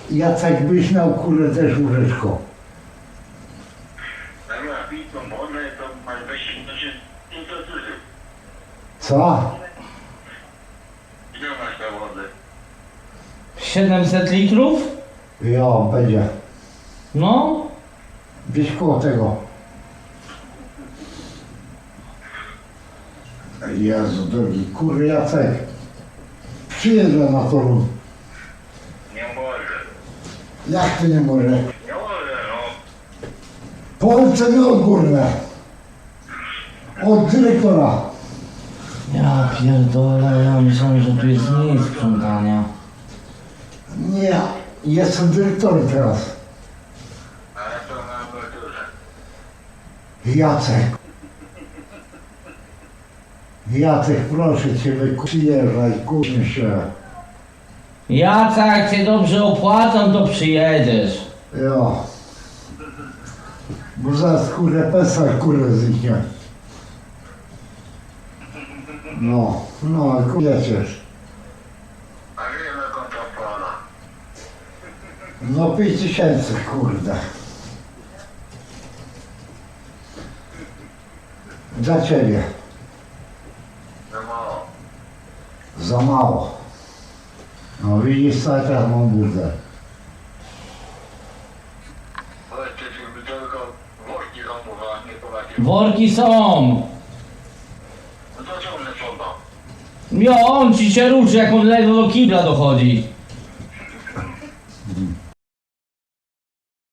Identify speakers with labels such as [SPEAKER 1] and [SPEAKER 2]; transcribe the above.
[SPEAKER 1] Jacek byś miał kurę też łóżeczko.
[SPEAKER 2] Dobra, pij tą wodę, to masz weź intensywy.
[SPEAKER 1] Co?
[SPEAKER 2] Ile masz na wodę?
[SPEAKER 3] 700 litrów?
[SPEAKER 1] Jo, będzie.
[SPEAKER 3] No.
[SPEAKER 1] Gdzieś koło tego. Jezu drogi, kurwa Jacek. Przyjeżdża na Toruń.
[SPEAKER 2] Nie może.
[SPEAKER 1] Jak ty nie może?
[SPEAKER 2] Nie może, no.
[SPEAKER 1] Polce nie odgórne. Od dyrektora.
[SPEAKER 3] Ja pierdolę, ja myślałem, że tu jest mniej sprzątania.
[SPEAKER 1] Nie, jestem dyrektorem teraz.
[SPEAKER 2] Ale to na emeryturze.
[SPEAKER 1] Jacek. Jacek, proszę cię, przyjeżdżaj, kurczę się.
[SPEAKER 3] Jacek, jak cię dobrze opłacą, to przyjedziesz.
[SPEAKER 1] Jo. Bo zaraz kurę pesar kurę zniknie. No, wiecie.
[SPEAKER 2] A ile na konto pana?
[SPEAKER 1] No 5000, kurde. Dla ciebie.
[SPEAKER 2] Za mało.
[SPEAKER 1] Za mało. No widzisz, co ja teraz mam burdę.
[SPEAKER 2] Powiedzcie, żeby tylko worki zamówiła, nie pomacie.
[SPEAKER 3] Worki są.
[SPEAKER 2] No to co one są?
[SPEAKER 3] Jo, on ci się ruszy, jak on ledwo do kibla dochodzi.